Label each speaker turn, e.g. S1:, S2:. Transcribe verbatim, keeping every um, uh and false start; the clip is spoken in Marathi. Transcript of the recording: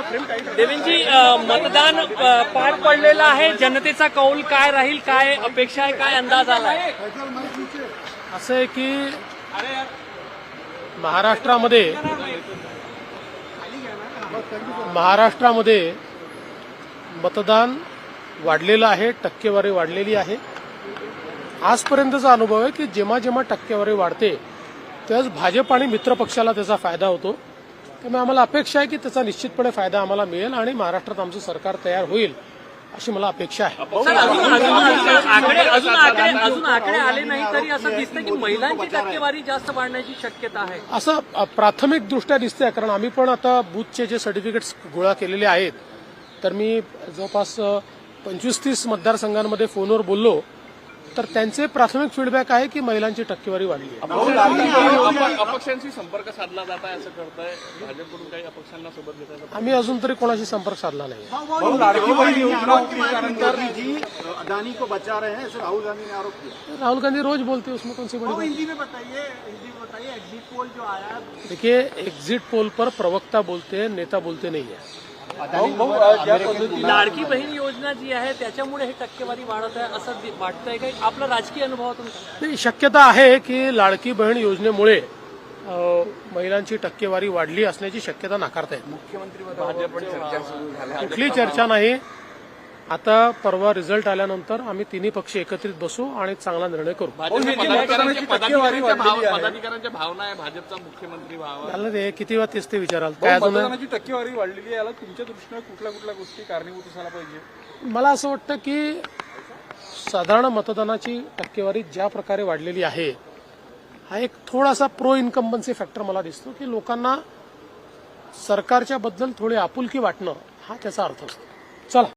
S1: देवेंजी, मतदान अ, पार पडलेलं आहे. जनतेचा कौल काय राहील, काय अपेक्षा आहे, काय अंदाज आलाय?
S2: असं आहे की महाराष्ट्रामध्ये महाराष्ट्रामध्ये मतदान वाढलेलं आहे, टक्केवारी वाढलेली आहे. आजपर्यंतचा अनुभव आहे की जेव्हा जेव्हा टक्केवारी वाढते त्याच भाजप आणि मित्र पक्षाला त्याचा फायदा होतो. त्यामुळे आम्हाला अपेक्षा आहे की त्याचा निश्चितपणे फायदा आम्हाला मिळेल आणि महाराष्ट्रात आमचं सरकार तयार होईल अशी मला अपेक्षा आहे.
S1: सर, अजून अजून आकडे अजून आकडे अजून आकडे आले नाही तरी असं दिसतं की महिलांची टक्केवारी जास्त वाढण्याची शक्यता आहे.
S2: असं प्राथमिक दृष्ट्या दिसतंय, कारण आम्ही पण आता बूथचे जे सर्टिफिकेट्स गोळा केलेले आहेत तर मी जवळपास पंचवीस तीस मतदारसंघांमध्ये फोनवर बोललो तर त्यांचे प्राथमिक फीडबॅक आहे की महिलांची टक्केवारी वाढली आहे.
S3: अपक्षांशी संपर्क साधला जात आहे असं करताय भाजपकडून, काही अपक्षांना सोबत घेताय?
S2: आम्ही अजून तरी कोणाशी संपर्क साधला नाही.
S4: अदानी को बचा रहे हैं ऐसे राहुल गांधी ने आरोप किया.
S2: राहुल गांधी रोज बोलते, उसमें कौन सी बड़ी बात?
S4: हिंदी में बताइए, हिंदी में बताइए एग्जिट पोल जो आया.
S2: देखिए, एग्जिट पोल पर प्रवक्ता बोलते हैं, नेता बोलते नहीं है.
S1: लाडकी बहीण योजना जी आहे त्याच्यामुळे हे टक्केवारी वाढत आहे असं दि- वाटतंय काही? आपला राजकीय अनुभव तुमचा?
S2: नाही, शक्यता आहे की लाडकी बहीण योजनेमुळे अ, महिलांची टक्केवारी वाढली असण्याची शक्यता नाकारता येत. कुठली चर्चा नाही. आता परवा रिझल्ट आल्यानंतर आम्ही तिन्ही पक्ष एकत्रित बसू आणि चांगला निर्णय करू.
S3: पदाधिकाऱ्यांच्या पदाधिकाऱ्यांच्या भाव- पदाधिकाऱ्यांच्या भावना आहे भाजपचा मुख्यमंत्री व्हावा.
S2: झालं ते किती वेळा तेच ते विचाराल. काय अजून
S5: मतदानाची टक्केवारी वाढलेली आहे, याला तुमच्या दृष्टीने कुठल्या कुठल्या गोष्टी कारणीभूत असायला पाहिजे?
S2: मला असं वाटतं की साधारण मतदानाची टक्केवारी ज्या प्रकारे वाढलेली आहे हा एक थोडासा प्रो इन्कम्बन्सी फॅक्टर मला दिसतो की लोकांना सरकारच्या बद्दल थोडी आपुलकी वाटणं हा त्याचा अर्थ असतो. चला.